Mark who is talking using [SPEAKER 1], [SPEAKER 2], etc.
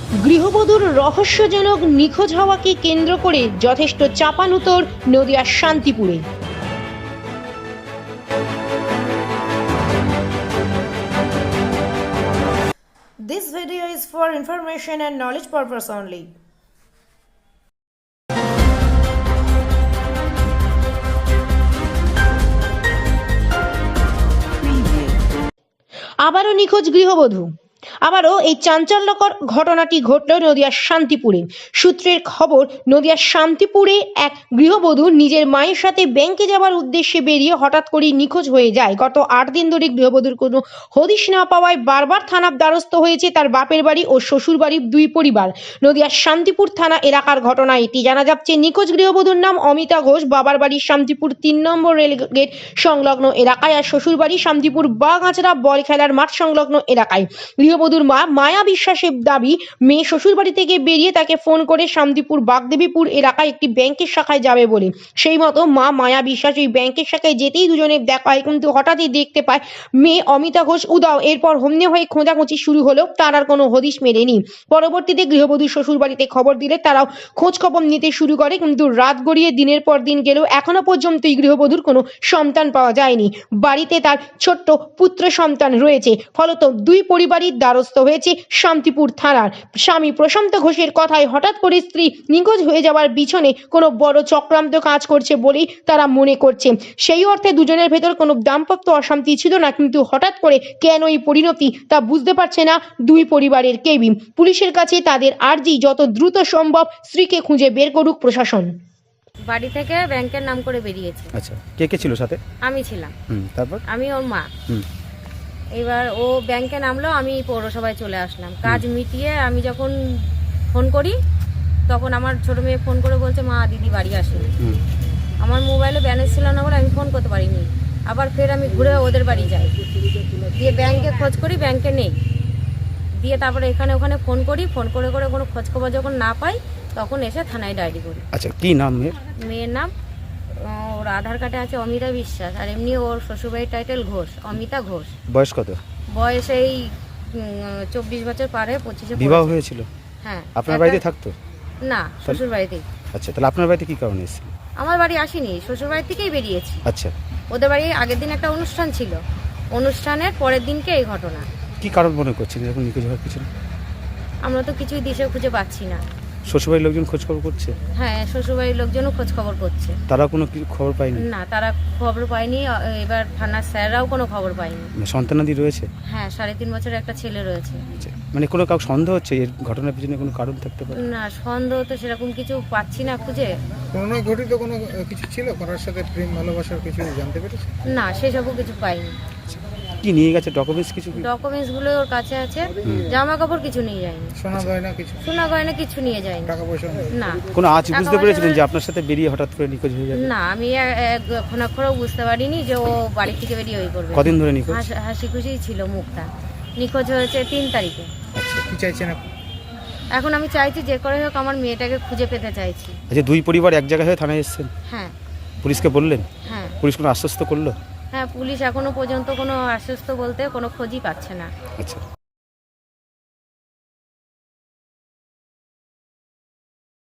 [SPEAKER 1] গৃহবধূর রহস্যজনক নিখোঁজ হওয়াকে কেন্দ্র করে যথেষ্ট চাপানুতোর নদিয়ার শান্তিপুরে। This video is for information and knowledge purpose only. আবারও নিখোঁজ গৃহবধূ। আবারও এই চাঞ্চল্যকর ঘটনাটি ঘটল নদিয়ার শান্তিপুরে। সূত্রের খবর, নদিয়ার শান্তিপুরে এক গৃহবধূ নিজের মায়ের সাথে ব্যাংকে যাওয়ার উদ্দেশ্যে বেরিয়ে হঠাৎ করেই নিখোঁজ হয়ে যায়। গত 8 দিন ধরে গৃহবধূর কোনো হদিশ না পাওয়ায় বারবার থানার দ্বারস্থ হয়েছে তার বাপের বাড়ি ও শ্বশুর বাড়ির দুই পরিবার। নদিয়ার শান্তিপুর থানা এলাকার ঘটনা এটি। জানা যাচ্ছে, নিখোঁজ গৃহবধূর নাম অমিতা ঘোষ। বাবার বাড়ি শান্তিপুর 3 নম্বর রেলগেট সংলগ্ন এলাকায়, আর শ্বশুর বাড়ি শান্তিপুর বাগাছড়া বল খেলার মাঠ সংলগ্ন এলাকায়। গৃহবধূর মা মায়া বিশ্বাসের দাবি, মেয়ে শ্বশুর বাড়ি থেকে বেরিয়ে তাকে ফোন করে শান্তিপুর বাগদেবীপুর এলাকায় একটি ব্যাংকের শাখায় যাবে বলে। সেই মতো মা মায়া বিশ্বাস ওই ব্যাংকের শাখায় যেতেই দুজনে দেখা হয়, কিন্তু হঠাৎই দেখতে পায় মেয়ে অমিতা ঘোষ উধাও। এরপর হন্যে হয়ে খোঁজাখুঁজি শুরু হলেও তার আর কোনো হদিশ মেলেনি। পরবর্তীতে গৃহবধূর শ্বশুর বাড়িতে খবর দিলে তারাও খোঁজ খবর নিতে শুরু করে, কিন্তু রাত গড়িয়ে দিনের পর দিন গেলেও এখনো পর্যন্ত এই গৃহবধূর কোনো সন্তান পাওয়া যায়নি। বাড়িতে তার ছোট্ট পুত্র সন্তান রয়েছে। ফলত দুই পরিবারই দ্বারস্থ হয়েছে শান্তিপুর থানার। স্বামী প্রশান্ত ঘোষের কথায় হঠাৎ করে স্ত্রী নিখোঁজ হয়ে যাওয়ার পিছনে কোনো বড় চক্রান্ত কাজ করছে বলেই তারা মনে করছে। সেই অর্থে দুজনের ভেতর কোনো দাম্পত্য অশান্তি ছিল না, কিন্তু হঠাৎ করে কেন এই পরিণতি তা বুঝতে পারছে না দুই পরিবারের কেউই। পুলিশের কাছে তাদের আর্জি, যত দ্রুত সম্ভব স্ত্রীকে খুঁজে বের করুক প্রশাসন।
[SPEAKER 2] বাড়ি থেকে ব্যাংকের নাম করে বেরিয়েছে।
[SPEAKER 3] আচ্ছা, কে কে ছিল সাথে?
[SPEAKER 2] আমি ছিলাম।
[SPEAKER 3] তারপর
[SPEAKER 2] আমি ওর মা। এবার ও ব্যাংকে নামলো, আমি পৌরসভায় চলে আসলাম। কাজ মিটিয়ে আমি যখন ফোন করি, তখন আমার ছোট মেয়ে ফোন করে বলছে, মা দিদি বাড়ি আসেনি। আমার মোবাইলে ব্যালেন্স ছিল না বলে আমি ফোন করতে পারিনি। আবার ফের আমি ঘুরে ওদের বাড়ি যাই, দিয়ে ব্যাংকে খোঁজ করি, ব্যাংকে নেই। দিয়ে তারপরে এখানে ওখানে ফোন করি, ফোন করে করে কোনো খোঁজ খবর যখন না পাই, তখন এসে থানায় ডায়েরি করি।
[SPEAKER 3] আচ্ছা, কি নাম মেয়ের?
[SPEAKER 2] মেয়ের নাম, ওর আধার কার্ডে আছে অমিতা বিশ্বাস, আর এমনি ওর শ্বশুরবাড়ির টাইটেল ঘোষ, অমিতা ঘোষ।
[SPEAKER 3] বয়স কত?
[SPEAKER 2] বয়স এই 24 বছর পারে, 25-এ
[SPEAKER 3] বিবাহ হয়েছিল?
[SPEAKER 2] হ্যাঁ।
[SPEAKER 3] আপনার বাড়িতে থাকতো?
[SPEAKER 2] না, শ্বশুর বাড়িতেই।
[SPEAKER 3] আচ্ছা, তাহলে আপনার বাড়িতে কি কারণে এসেছিল?
[SPEAKER 2] আমার বাড়ি আসিনি, শ্বশুর বাড়ি থেকেই বেরিয়েছি।
[SPEAKER 3] আচ্ছা,
[SPEAKER 2] ওদের বাড়ি আগের দিন একটা অনুষ্ঠান ছিল, অনুষ্ঠানের পরের দিনকে এই ঘটনা।
[SPEAKER 3] কি কারণ মনে করছেন যখন নিখোঁজ হওয়ার পিছনে?
[SPEAKER 2] আমরা তো কিছুই দিশে খুঁজে পাচ্ছি না।
[SPEAKER 3] শ্বশুরবাড়ির লোকজন খোঁজ খবর করছে?
[SPEAKER 2] হ্যাঁ, শ্বশুরবাড়ির লোকজনও খোঁজ খবর করছে।
[SPEAKER 3] তারা কোনো খবর পায়নি?
[SPEAKER 2] না, তারা খবর পায়নি। এবার থানার স্যাররাও কোনো খবর পায়নি।
[SPEAKER 3] সন্তানাদি রয়েছে?
[SPEAKER 2] হ্যাঁ, 3.5 বছরের একটা ছেলে রয়েছে।
[SPEAKER 3] আচ্ছা, মানে কোনো কাউ সন্দেহ হচ্ছে এর ঘটনার পিছনে কোনো কারণ থাকতে পারে?
[SPEAKER 2] না, সন্দেহ তো সেরকম কিছু পাচ্ছি না খুঁজে।
[SPEAKER 4] কোনো ঘটিত কোনো কিছু ছিল, কারোর সাথে প্রেম ভালোবাসার কিছু জানতে পেরেছে?
[SPEAKER 2] না, সেসবও কিছু পাইনি।
[SPEAKER 3] কি নিয়ে গেছে ডকুমেন্টস কিছু?
[SPEAKER 2] ডকুমেন্টস গুলো ওর কাছে আছে, জামা কাপড় কিছু নিয়ে যায়নি।
[SPEAKER 4] সোনা গয়না কিছু?
[SPEAKER 2] সোনা গয়না কিছু নিয়ে যায়নি।
[SPEAKER 4] টাকা পয়সা
[SPEAKER 2] না।
[SPEAKER 3] কোনো আজ বুঝতে পেরেছিলেন যে আপনার সাথে বেরিয়ে হঠাৎ করে নিখোঁজ হয়ে যাবে?
[SPEAKER 2] না, আমি এখন এখনো বুঝতে পারিনি যে ও বাড়ি থেকে বেরিয়ে ওই করবে।
[SPEAKER 3] কদিন ধরে নিখোঁজ?
[SPEAKER 2] হাসি খুশি ছিল মুখটা। নিখোঁজ হয়েছে 3 তারিখে।
[SPEAKER 3] আচ্ছা,
[SPEAKER 4] কি চাইছেন আপনি?
[SPEAKER 2] এখন আমি চাইছি যে করে হোক আমার মেয়েটাকে খুঁজে পেতে চাইছি।
[SPEAKER 3] আচ্ছা, দুই পরিবার এক জায়গায় হয়ে থানায় এসেছেন?
[SPEAKER 2] হ্যাঁ।
[SPEAKER 3] পুলিশকে বললেন?
[SPEAKER 2] হ্যাঁ।
[SPEAKER 3] পুলিশ কোনো আশ্বস্ত করলো?
[SPEAKER 2] হ্যাঁ, পুলিশ এখনো পর্যন্ত কোনো আশ্বস্ত বলতে কোনো খোঁজই পাচ্ছে না।
[SPEAKER 3] আচ্ছা,